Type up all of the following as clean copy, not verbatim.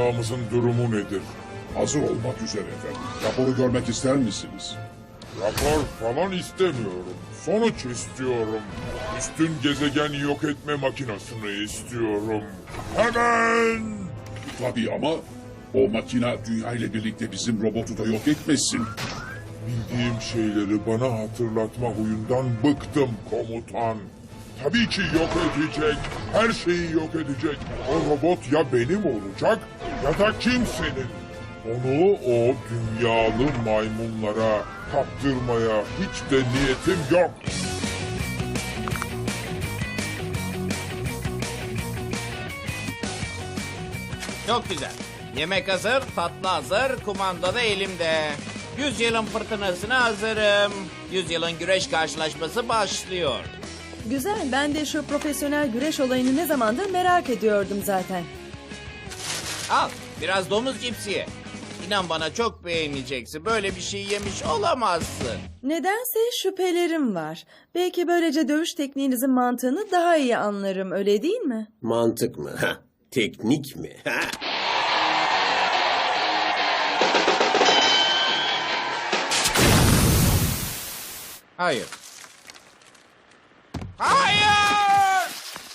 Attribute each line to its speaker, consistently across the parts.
Speaker 1: uçağımızın durumu nedir?
Speaker 2: Hazır olmak üzere efendim. Raporu görmek ister misiniz?
Speaker 1: Rapor falan istemiyorum. Sonuç istiyorum. Üstün gezegen yok etme makinesini istiyorum. Hemen!
Speaker 2: Tabii ama o makina dünya ile birlikte bizim robotu da yok etmesin.
Speaker 1: Bildiğim şeyleri bana hatırlatma huyundan bıktım komutan. Tabii ki yok edecek. Her şeyi yok edecek. O robot ya benim olacak ya da kimsenin. Onu o dünyalı maymunlara kaptırmaya hiç de niyetim yok.
Speaker 3: Çok güzel. Yemek hazır, tatlı hazır, kumanda da elimde. 100 yılın fırtınasına hazırım. 100 yılın güreş karşılaşması başlıyor.
Speaker 4: Güzel, ben de şu profesyonel güreş olayını ne zamandır merak ediyordum zaten.
Speaker 3: Al, biraz domuz cipsi ye. İnan bana çok beğeneceksin. Böyle bir şey yemiş olamazsın.
Speaker 4: Nedense şüphelerim var. Belki böylece dövüş tekniğinizin mantığını daha iyi anlarım, öyle değil mi?
Speaker 5: Mantık mı? Ha, teknik mi? Ha?
Speaker 3: Hayır. Hayır!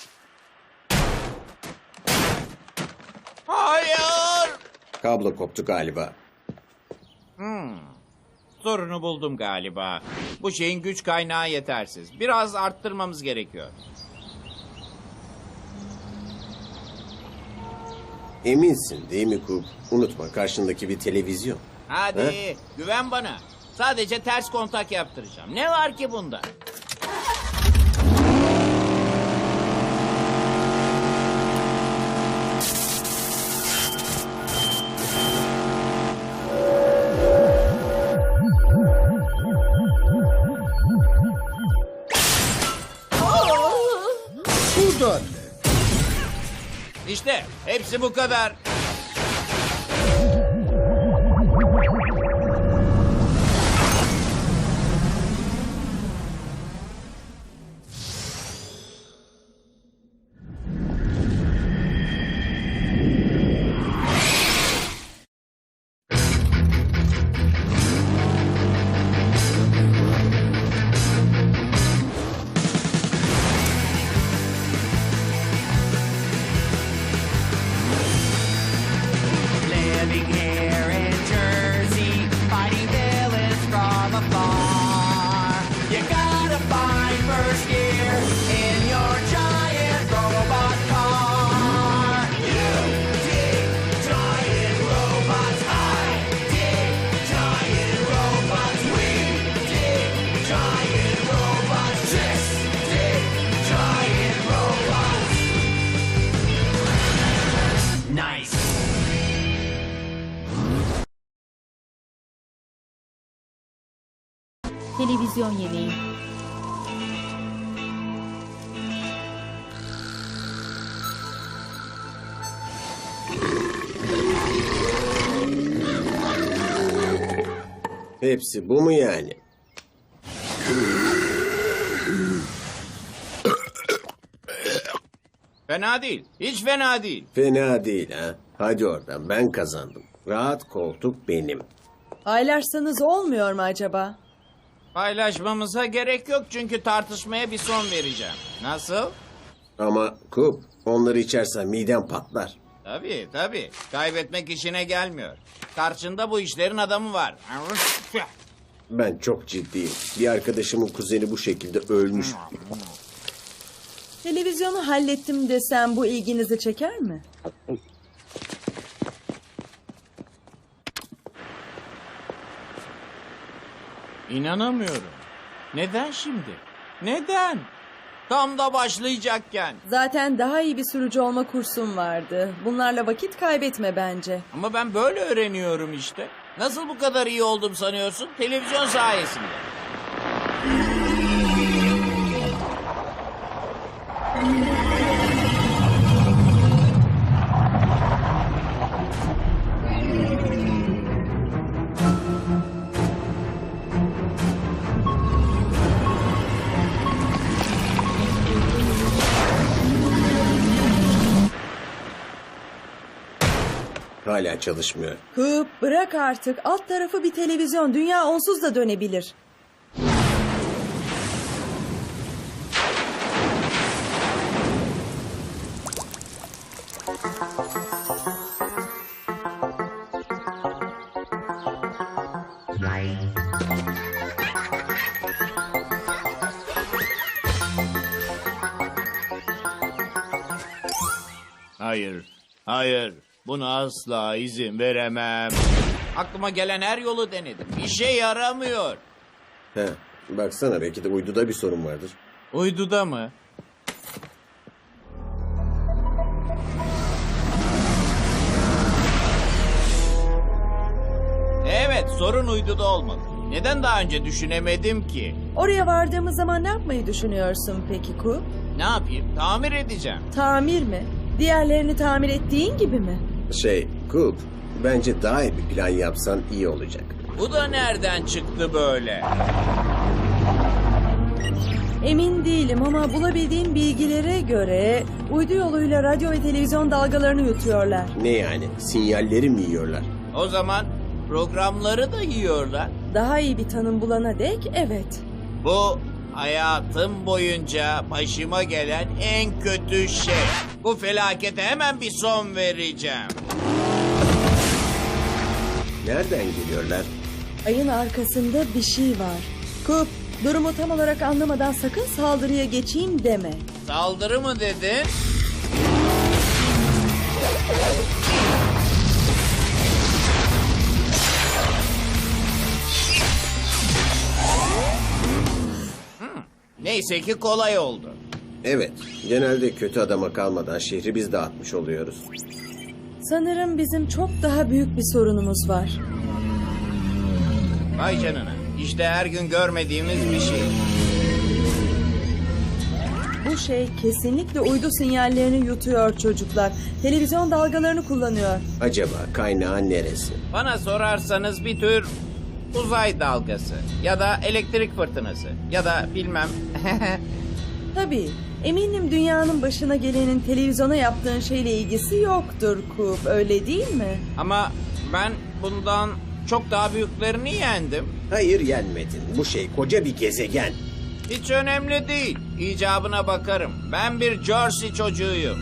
Speaker 3: Hayır!
Speaker 5: Kablo koptu galiba.
Speaker 3: Sorunu buldum galiba. Bu şeyin güç kaynağı yetersiz. Biraz arttırmamız gerekiyor.
Speaker 5: Eminsin değil mi Kup? Unutma karşındaki bir televizyon.
Speaker 3: Hadi güven bana. Sadece ters kontak yaptıracağım. Ne var ki bunda?
Speaker 6: Buradan.
Speaker 3: İşte hepsi bu kadar.
Speaker 7: Living here in Jersey, fighting villains from afar. You gotta find first gear in your giant robot car. You dig giant robots, I dig giant robots, we dig giant robots, just dig giant robots. Nice.
Speaker 8: Televizyon yemeği.
Speaker 5: Hepsi bu mu yani?
Speaker 3: Fena değil. Hiç fena değil.
Speaker 5: Fena değil ha. Hadi oradan ben kazandım. Rahat koltuk benim.
Speaker 4: Paylaşsanız olmuyor mu acaba?
Speaker 3: Paylaşmamıza gerek yok çünkü tartışmaya bir son vereceğim. Nasıl?
Speaker 5: Ama Kup onları içersen miden patlar.
Speaker 3: Tabii tabii. Kaybetmek işine gelmiyor. Karşında bu işlerin adamı var.
Speaker 5: Ben çok ciddiyim. Bir arkadaşımın kuzeni bu şekilde ölmüş.
Speaker 4: Televizyonu hallettim desem bu ilginizi çeker mi?
Speaker 3: İnanamıyorum. Neden şimdi? Neden? Tam da başlayacakken.
Speaker 4: Zaten daha iyi bir sürücü olma kursum vardı. Bunlarla vakit kaybetme bence.
Speaker 3: Ama ben böyle öğreniyorum işte. Nasıl bu kadar iyi oldum sanıyorsun? Televizyon sayesinde.
Speaker 5: Hala çalışmıyor.
Speaker 4: Coop bırak artık. Alt tarafı bir televizyon. Dünya onsuz da dönebilir.
Speaker 3: Hayır, hayır. Buna asla izin veremem. Aklıma gelen her yolu denedim. İşe yaramıyor.
Speaker 5: He, baksana belki de uyduda bir sorun vardır.
Speaker 3: Uyduda mı? Evet, sorun uyduda olmalı. Neden daha önce düşünemedim ki?
Speaker 4: Oraya vardığımız zaman ne yapmayı düşünüyorsun peki Coop?
Speaker 3: Ne yapayım? Tamir edeceğim.
Speaker 4: Tamir mi? Diğerlerini tamir ettiğin gibi mi?
Speaker 5: Coop, bence daha iyi bir plan yapsan iyi olacak.
Speaker 3: Bu da nereden çıktı böyle?
Speaker 4: Emin değilim ama bulabildiğim bilgilere göre uydu yoluyla radyo ve televizyon dalgalarını yutuyorlar.
Speaker 5: Ne yani? Sinyalleri mi yiyorlar?
Speaker 3: O zaman programları da yiyorlar.
Speaker 4: Daha iyi bir tanım bulana dek evet.
Speaker 3: Bu hayatım boyunca başıma gelen en kötü şey. Bu felakete hemen bir son vereceğim.
Speaker 5: Nereden geliyorlar?
Speaker 4: Ayın arkasında bir şey var. Coop, durumu tam olarak anlamadan sakın saldırıya geçeyim deme.
Speaker 3: Saldırı mı dedin? Neyse ki kolay oldu.
Speaker 5: Evet, genelde kötü adama kalmadan şehri biz dağıtmış oluyoruz.
Speaker 4: Sanırım bizim çok daha büyük bir sorunumuz var.
Speaker 3: Vay canına. İşte her gün görmediğimiz bir şey.
Speaker 4: Bu şey kesinlikle uydu sinyallerini yutuyor çocuklar. Televizyon dalgalarını kullanıyor.
Speaker 5: Acaba kaynağı neresi?
Speaker 3: Bana sorarsanız bir tür uzay dalgası ya da elektrik fırtınası ya da bilmem.
Speaker 4: Tabii, eminim dünyanın başına gelenin televizyona yaptığın şeyle ilgisi yoktur Coop, öyle değil mi?
Speaker 3: Ama ben bundan çok daha büyüklerini yendim.
Speaker 5: Hayır, yenmedin. Bu şey koca bir gezegen.
Speaker 3: Hiç önemli değil. İcabına bakarım. Ben bir Jersey çocuğuyum.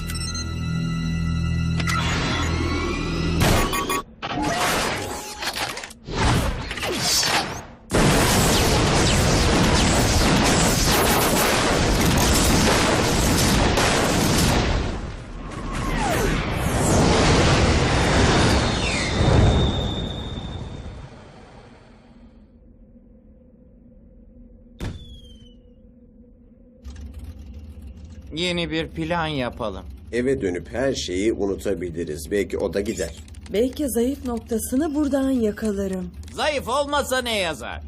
Speaker 3: Yeni bir plan yapalım.
Speaker 5: Eve dönüp her şeyi unutabiliriz. Belki o da gider.
Speaker 4: Belki zayıf noktasını buradan yakalarım.
Speaker 3: Zayıf olmasa ne yazar?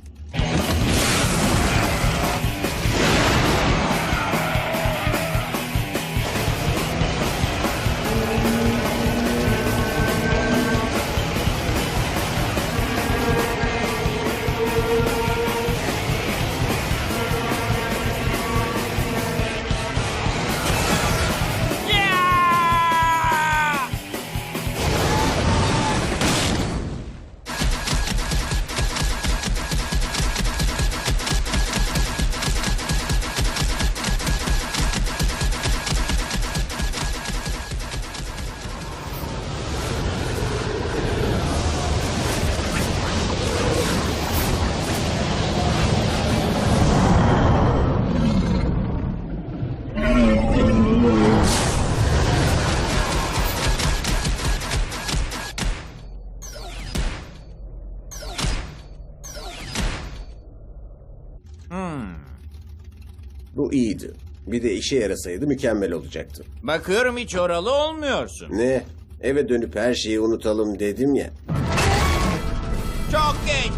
Speaker 5: Bu iyiydi. Bir de işe yarasaydı mükemmel olacaktı.
Speaker 3: Bakıyorum hiç oralı olmuyorsun.
Speaker 5: Ne? Eve dönüp her şeyi unutalım dedim ya.
Speaker 3: Çok geç.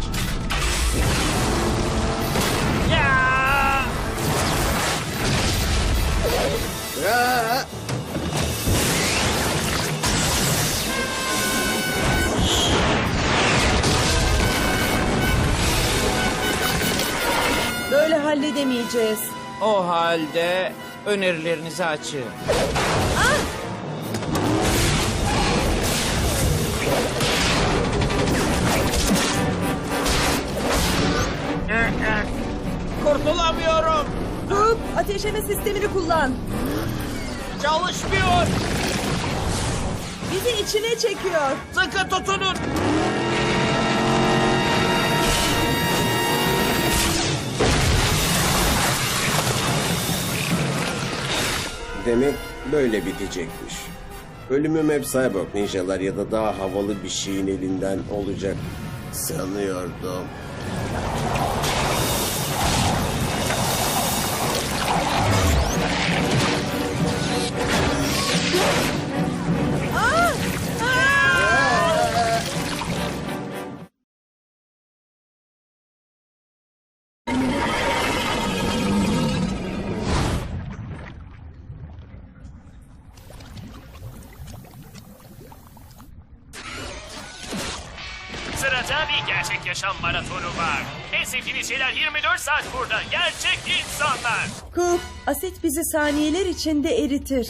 Speaker 3: Ya!
Speaker 5: Aa!
Speaker 4: Böyle halledemeyeceğiz.
Speaker 3: O halde önerilerinizi açın.
Speaker 4: ateşleme sistemini kullan.
Speaker 3: Çalışmıyor.
Speaker 4: Bizi içine çekiyor.
Speaker 3: Sıkı tutunun.
Speaker 5: Demek böyle bitecekmiş. Ölümüm hep cyborg ninjalar ya da daha havalı bir şeyin elinden olacak sanıyordum.
Speaker 6: Sırada bir gerçek yaşam maratonu var. En sevdiğiniz şeyler 24 saat burada. Gerçek insanlar.
Speaker 4: Coop, asit bizi saniyeler içinde eritir.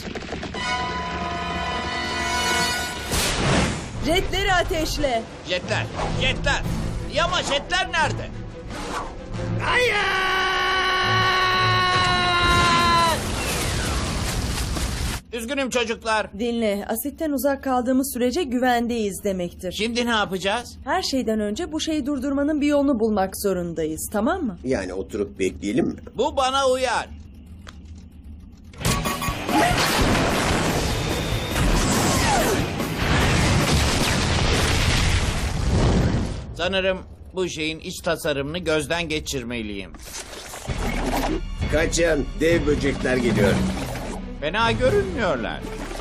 Speaker 4: Jetleri ateşle.
Speaker 3: Jetler, jetler. İyi ama jetler nerede? Hayır! Üzgünüm çocuklar.
Speaker 4: Dinle, asitten uzak kaldığımız sürece güvendeyiz demektir.
Speaker 3: Şimdi ne yapacağız?
Speaker 4: Her şeyden önce bu şeyi durdurmanın bir yolunu bulmak zorundayız, tamam mı?
Speaker 5: Yani oturup bekleyelim mi?
Speaker 3: Bu bana uyar. Sanırım bu şeyin iç tasarımını gözden geçirmeliyim.
Speaker 5: Kaçın, dev böcekler geliyor.
Speaker 3: Fena görünmüyorlar.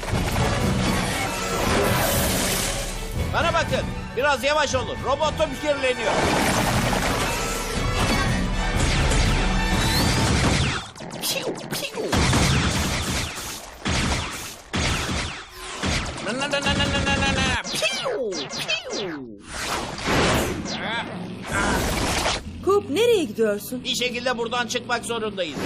Speaker 3: Bana bakın, biraz yavaş olun. Robotum kirleniyor. Piu, piu. Na, na, na, na, na, na, na, na. Piu, piu.
Speaker 4: Coop, nereye gidiyorsun?
Speaker 3: Bir şekilde buradan çıkmak zorundayız.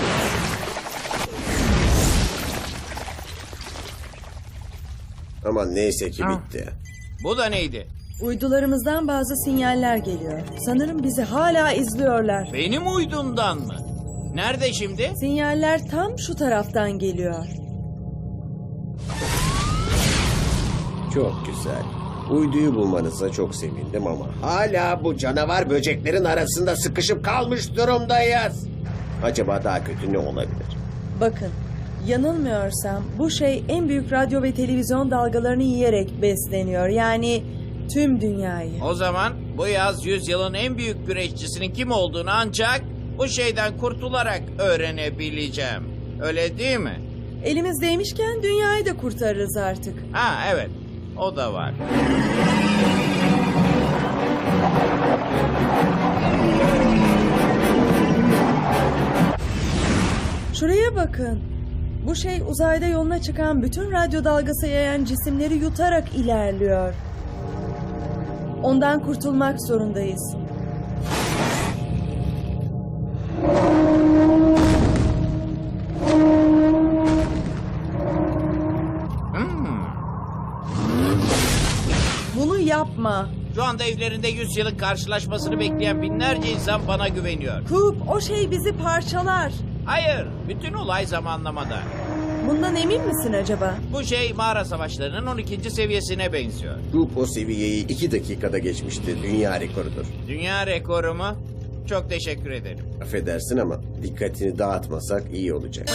Speaker 5: Ama neyse ki bitti.
Speaker 3: Bu da neydi?
Speaker 4: Uydularımızdan bazı sinyaller geliyor. Sanırım bizi hala izliyorlar.
Speaker 3: Benim uydumdan mı? Nerede şimdi?
Speaker 4: Sinyaller tam şu taraftan geliyor.
Speaker 5: Çok güzel. Uyduyu bulmanıza çok sevindim ama hala bu canavar böceklerin arasında sıkışıp kalmış durumdayız. Acaba daha kötü ne olabilir?
Speaker 4: Bakın, yanılmıyorsam bu şey en büyük radyo ve televizyon dalgalarını yiyerek besleniyor. Yani tüm dünyayı.
Speaker 3: O zaman bu yaz 100 yılın en büyük güreşçisinin kim olduğunu ancak bu şeyden kurtularak öğrenebileceğim. Öyle değil mi?
Speaker 4: Elimizdeymişken dünyayı da kurtarırız artık.
Speaker 3: Ha evet, o da var.
Speaker 4: Şuraya bakın. Bu şey uzayda yoluna çıkan bütün radyo dalgası yayan cisimleri yutarak ilerliyor. Ondan kurtulmak zorundayız. Bunu yapma.
Speaker 3: Şu anda evlerinde 100 yılın karşılaşmasını bekleyen binlerce insan bana güveniyor.
Speaker 4: Coop, o şey bizi parçalar.
Speaker 3: Hayır, bütün olay zamanlamada.
Speaker 4: Bundan emin misin acaba?
Speaker 3: Bu şey mağara savaşlarının 12. seviyesine benziyor.
Speaker 5: Grup o seviyeyi 2 dakikada geçmişti. Dünya rekorudur.
Speaker 3: Dünya rekoru mu? Çok teşekkür ederim.
Speaker 5: Affedersin ama dikkatini dağıtmasak iyi olacak.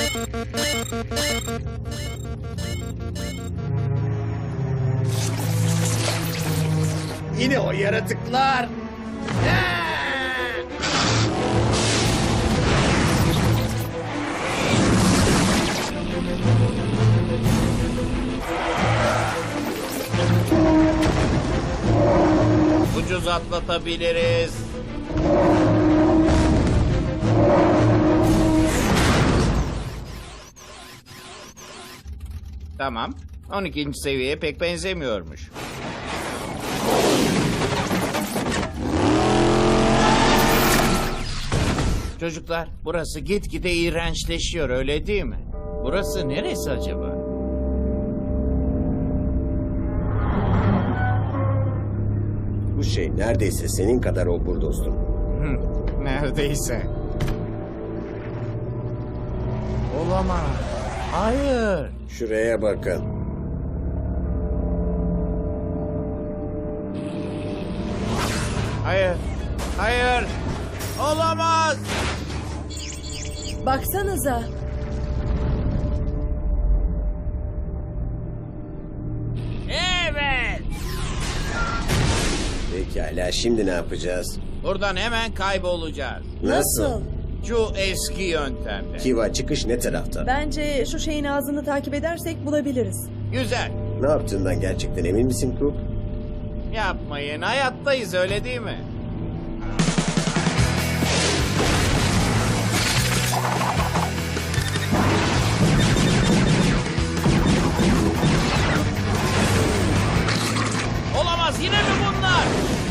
Speaker 5: Yine o yaratıklar.
Speaker 3: Ucuz atlatabiliriz. Tamam. 12. seviyeye pek benzemiyormuş. Çocuklar, burası gitgide iğrençleşiyor, öyle değil mi? Burası neresi acaba?
Speaker 5: Bu şey neredeyse senin kadar obur dostum.
Speaker 3: Neredeyse. Olamaz. Hayır.
Speaker 5: Şuraya bakın.
Speaker 3: Hayır. Hayır. Olamaz.
Speaker 4: Baksanıza.
Speaker 3: Evet.
Speaker 5: Pekala, şimdi ne yapacağız?
Speaker 3: Buradan hemen kaybolacağız.
Speaker 5: Nasıl?
Speaker 3: Şu eski yöntemle.
Speaker 5: Kiva, çıkış ne tarafta?
Speaker 4: Bence şu şeyin ağzını takip edersek bulabiliriz.
Speaker 3: Güzel.
Speaker 5: Ne yaptığından gerçekten emin misin Coop?
Speaker 3: Yapmayın. Hayattayız öyle değil mi? Olamaz. Yine mi bunlar?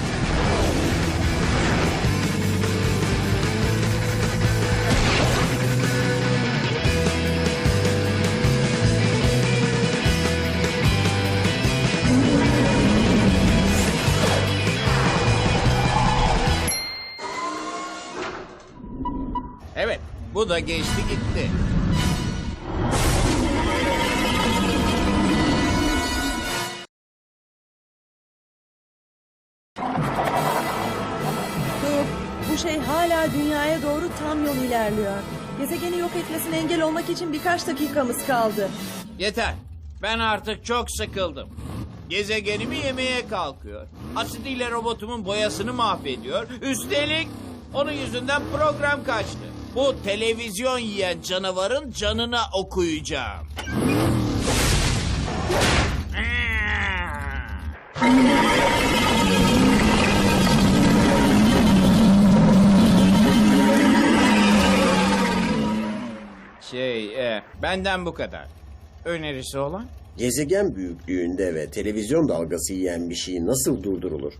Speaker 3: Evet. Bu da geçti gitti.
Speaker 4: Dur, bu şey hala dünyaya doğru tam yol ilerliyor. Gezegeni yok etmesine engel olmak için birkaç dakikamız kaldı.
Speaker 3: Yeter. Ben artık çok sıkıldım. Gezegenimi yemeye kalkıyor. Asidiyle robotumun boyasını mahvediyor. Üstelik onun yüzünden program kaçtı. Bu televizyon yiyen canavarın canına okuyacağım. Benden bu kadar. Önerisi olan?
Speaker 5: Gezegen büyüklüğünde ve televizyon dalgası yiyen bir şey nasıl durdurulur?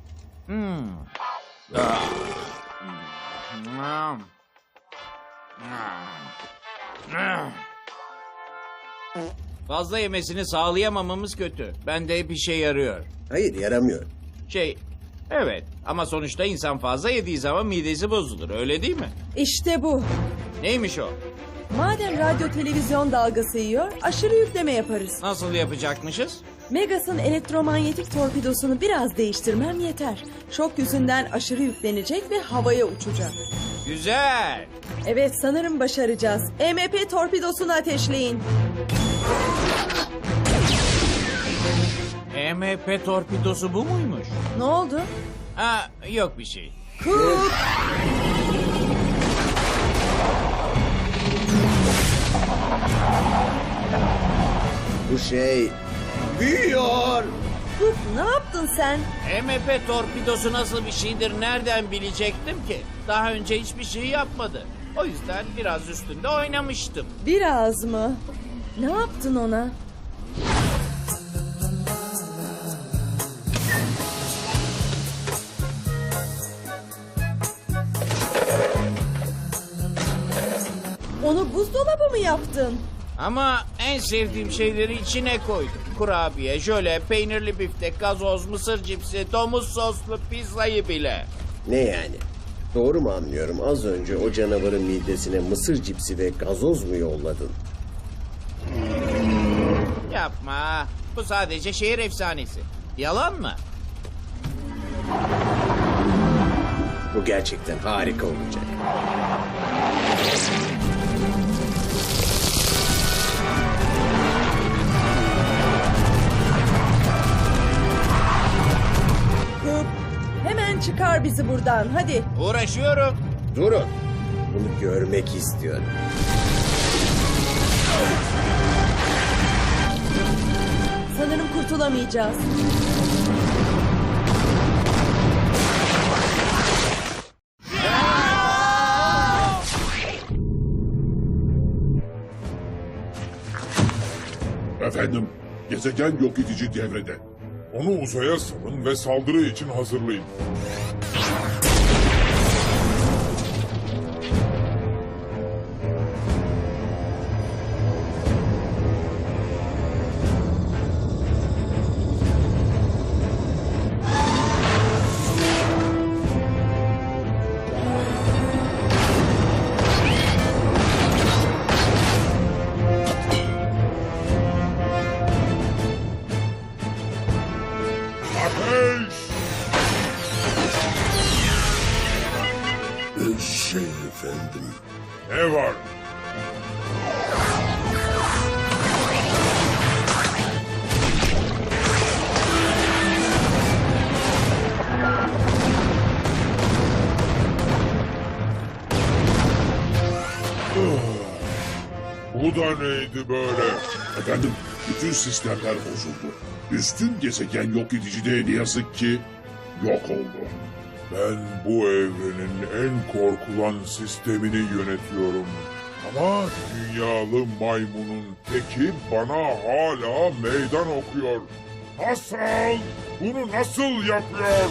Speaker 3: Fazla yemesini sağlayamamamız kötü. Bende hep işe yarıyor.
Speaker 5: Hayır, yaramıyor.
Speaker 3: Evet ama sonuçta insan fazla yediği zaman midesi bozulur öyle değil mi?
Speaker 4: İşte bu.
Speaker 3: Neymiş o?
Speaker 4: Madem radyo televizyon dalgası yiyor, aşırı yükleme yaparız.
Speaker 3: Nasıl yapacakmışız?
Speaker 4: Megas'ın elektromanyetik torpidosunu biraz değiştirmem yeter. Şok yüzünden aşırı yüklenecek ve havaya uçacak.
Speaker 3: Güzel.
Speaker 4: Evet, sanırım başaracağız. EMP torpidosunu ateşleyin.
Speaker 3: EMP torpidosu bu muymuş?
Speaker 4: Ne oldu?
Speaker 3: Ha, yok bir şey.
Speaker 4: Coop!
Speaker 5: Bu şey büyüyor.
Speaker 4: Coop, ne yaptın sen?
Speaker 3: EMP torpidosu nasıl bir şeydir nereden bilecektim ki? Daha önce hiçbir şey yapmadı. O yüzden biraz üstünde oynamıştım.
Speaker 4: Biraz mı? Ne yaptın ona? Onu buzdolabı mı yaptın?
Speaker 3: Ama en sevdiğim şeyleri içine koydum. Kurabiye, jöle, peynirli biftek, gazoz, mısır cipsi, domuz soslu pizzayı bile.
Speaker 5: Ne yani? Doğru mu anlıyorum? Az önce o canavarın midesine mısır cipsi ve gazoz mu yolladın?
Speaker 3: Yapma. Bu sadece şehir efsanesi. Yalan mı?
Speaker 5: Bu gerçekten harika olacak.
Speaker 4: Coop, hemen çıkar bizi buradan, hadi.
Speaker 3: Uğraşıyorum.
Speaker 5: Durun. Bunu görmek istiyorum.
Speaker 4: Sanırım kurtulamayacağız.
Speaker 2: Efendim, gezegen yok edici devrede.
Speaker 1: Onu uzaya salın ve saldırı için hazırlayın. Efendim. Ne var? Bu da neydi böyle?
Speaker 2: Efendim, bütün sistemler bozuldu. Üstün gezegen yok edici de ne yazık ki yok oldu.
Speaker 1: Ben bu evrenin en korkulan sistemini yönetiyorum. Ama dünyalı maymunun teki bana hala meydan okuyor. Nasıl? Bunu nasıl yapıyor?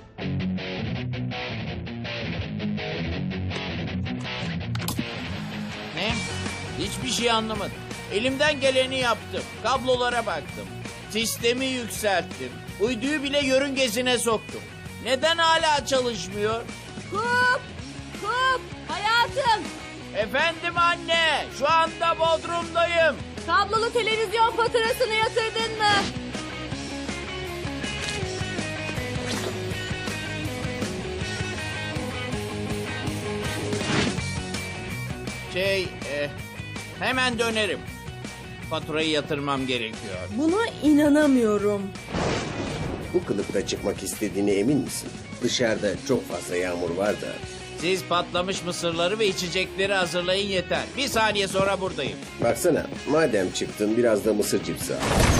Speaker 3: Ne? Hiçbir şey anlamadım. Elimden geleni yaptım. Kablolara baktım. Sistemi yükselttim. Uyduyu bile yörüngesine soktum. Neden hala çalışmıyor?
Speaker 8: Kup! Kup! Hayatım!
Speaker 3: Efendim anne, şu anda Bodrum'dayım.
Speaker 8: Kablolu televizyon faturasını yatırdın mı?
Speaker 3: Hemen dönerim. Faturayı yatırmam gerekiyor.
Speaker 4: Buna inanamıyorum.
Speaker 5: Bu kılıkta çıkmak istediğine emin misin? Dışarıda çok fazla yağmur var da.
Speaker 3: Siz patlamış mısırları ve içecekleri hazırlayın yeter. Bir saniye sonra buradayım.
Speaker 5: Baksana, madem çıktın biraz da mısır cipsi al.